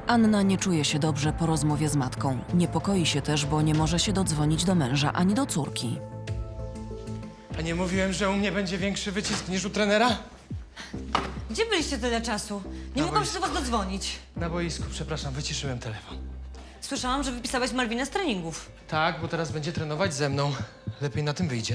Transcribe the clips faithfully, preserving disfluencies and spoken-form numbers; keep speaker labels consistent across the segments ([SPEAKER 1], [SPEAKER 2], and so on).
[SPEAKER 1] Anna nie czuje się dobrze po rozmowie z matką. Niepokoi się też, bo nie może się dodzwonić do męża ani do córki.
[SPEAKER 2] A nie mówiłem, że u mnie będzie większy wycisk niż u trenera?
[SPEAKER 3] Gdzie byliście tyle czasu? Nie
[SPEAKER 2] Na
[SPEAKER 3] mogłam się
[SPEAKER 2] boisku.
[SPEAKER 3] do was dodzwonić.
[SPEAKER 2] Na boisku, przepraszam, wyciszyłem telefon.
[SPEAKER 3] Słyszałam, że wypisałeś Malwinę z treningów.
[SPEAKER 2] Tak, bo teraz będzie trenować ze mną. Lepiej na tym wyjdzie.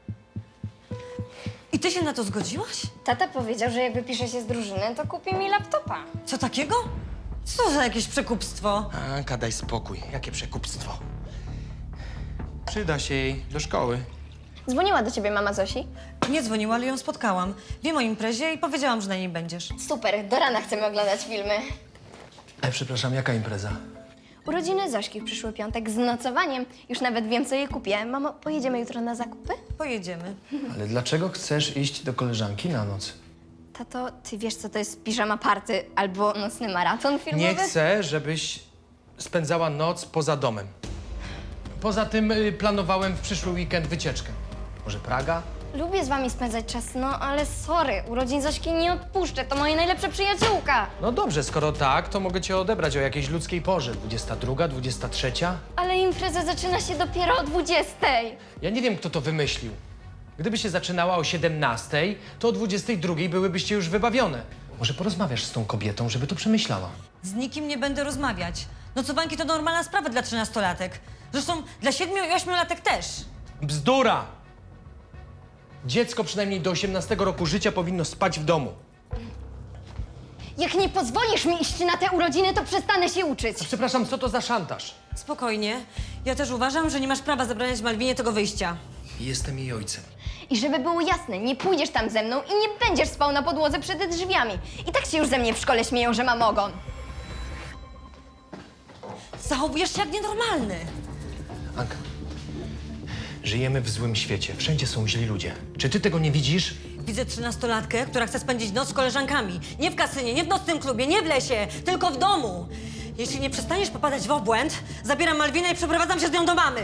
[SPEAKER 3] I ty się na to zgodziłaś?
[SPEAKER 4] Tata powiedział, że jak wypisze się z drużyny, to kupi mi laptopa.
[SPEAKER 3] Co takiego? Co za jakieś przekupstwo?
[SPEAKER 2] Anka, daj spokój. Jakie przekupstwo. Przyda się jej do szkoły.
[SPEAKER 4] Dzwoniła do ciebie mama Zosi?
[SPEAKER 3] Nie dzwoniła, ale ją spotkałam. Wiem o imprezie i powiedziałam, że na niej będziesz.
[SPEAKER 4] Super, do rana chcemy oglądać filmy.
[SPEAKER 2] E, przepraszam, jaka impreza?
[SPEAKER 4] Urodziny Zośki w przyszły piątek z nocowaniem. Już nawet wiem, co jej kupię. Mamo, pojedziemy jutro na zakupy?
[SPEAKER 3] Pojedziemy.
[SPEAKER 2] Ale dlaczego chcesz iść do koleżanki na noc?
[SPEAKER 4] Tato, ty wiesz, co to jest piżama party albo nocny maraton filmowy?
[SPEAKER 2] Nie chcę, żebyś spędzała noc poza domem. Poza tym y, planowałem w przyszły weekend wycieczkę. Może Praga?
[SPEAKER 4] Lubię z wami spędzać czas, no ale sorry, urodzin Zośki nie odpuszczę, to moja najlepsza przyjaciółka.
[SPEAKER 2] No dobrze, skoro tak, to mogę cię odebrać o jakiejś ludzkiej porze. dwudziesta druga, dwudziesta trzecia?
[SPEAKER 4] Ale impreza zaczyna się dopiero o dwudziestej.
[SPEAKER 2] Ja nie wiem, kto to wymyślił. Gdyby się zaczynała o siedemnastej, to o dwudziestej drugiej byłybyście już wybawione. Może porozmawiasz z tą kobietą, żeby to przemyślała.
[SPEAKER 3] Z nikim nie będę rozmawiać. Nocowanki to normalna sprawa dla trzynastolatek. Zresztą dla siedmiu i ośmiolatek też.
[SPEAKER 2] Bzdura! Dziecko przynajmniej do osiemnastego roku życia powinno spać w domu.
[SPEAKER 4] Jak nie pozwolisz mi iść na te urodziny, to przestanę się uczyć.
[SPEAKER 2] Przepraszam, co to za szantaż?
[SPEAKER 3] Spokojnie. Ja też uważam, że nie masz prawa zabraniać Malwinie tego wyjścia.
[SPEAKER 2] Jestem jej ojcem.
[SPEAKER 4] I żeby było jasne, nie pójdziesz tam ze mną i nie będziesz spał na podłodze przed drzwiami. I tak się już ze mnie w szkole śmieją, że mam ogon.
[SPEAKER 3] Zachowujesz się jak nienormalny.
[SPEAKER 2] Anka, żyjemy w złym świecie. Wszędzie są źli ludzie. Czy ty tego nie widzisz?
[SPEAKER 3] Widzę trzynastolatkę, która chce spędzić noc z koleżankami. Nie w kasynie, nie w nocnym klubie, nie w lesie, tylko w domu. Jeśli nie przestaniesz popadać w obłęd, zabieram Malwinę i przeprowadzam się z nią do mamy.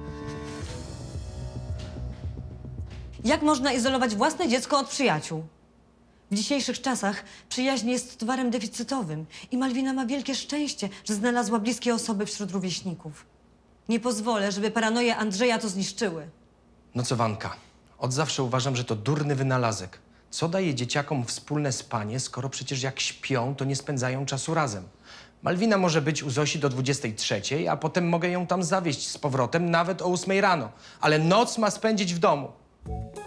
[SPEAKER 3] Jak można izolować własne dziecko od przyjaciół? W dzisiejszych czasach przyjaźń jest towarem deficytowym i Malwina ma wielkie szczęście, że znalazła bliskie osoby wśród rówieśników. Nie pozwolę, żeby paranoje Andrzeja to zniszczyły.
[SPEAKER 2] Nocowanka. Od zawsze uważam, że to durny wynalazek. Co daje dzieciakom wspólne spanie, skoro przecież jak śpią, to nie spędzają czasu razem? Malwina może być u Zosi do dwudziestej trzeciej, a potem mogę ją tam zawieźć z powrotem nawet o ósmej rano. Ale noc ma spędzić w domu.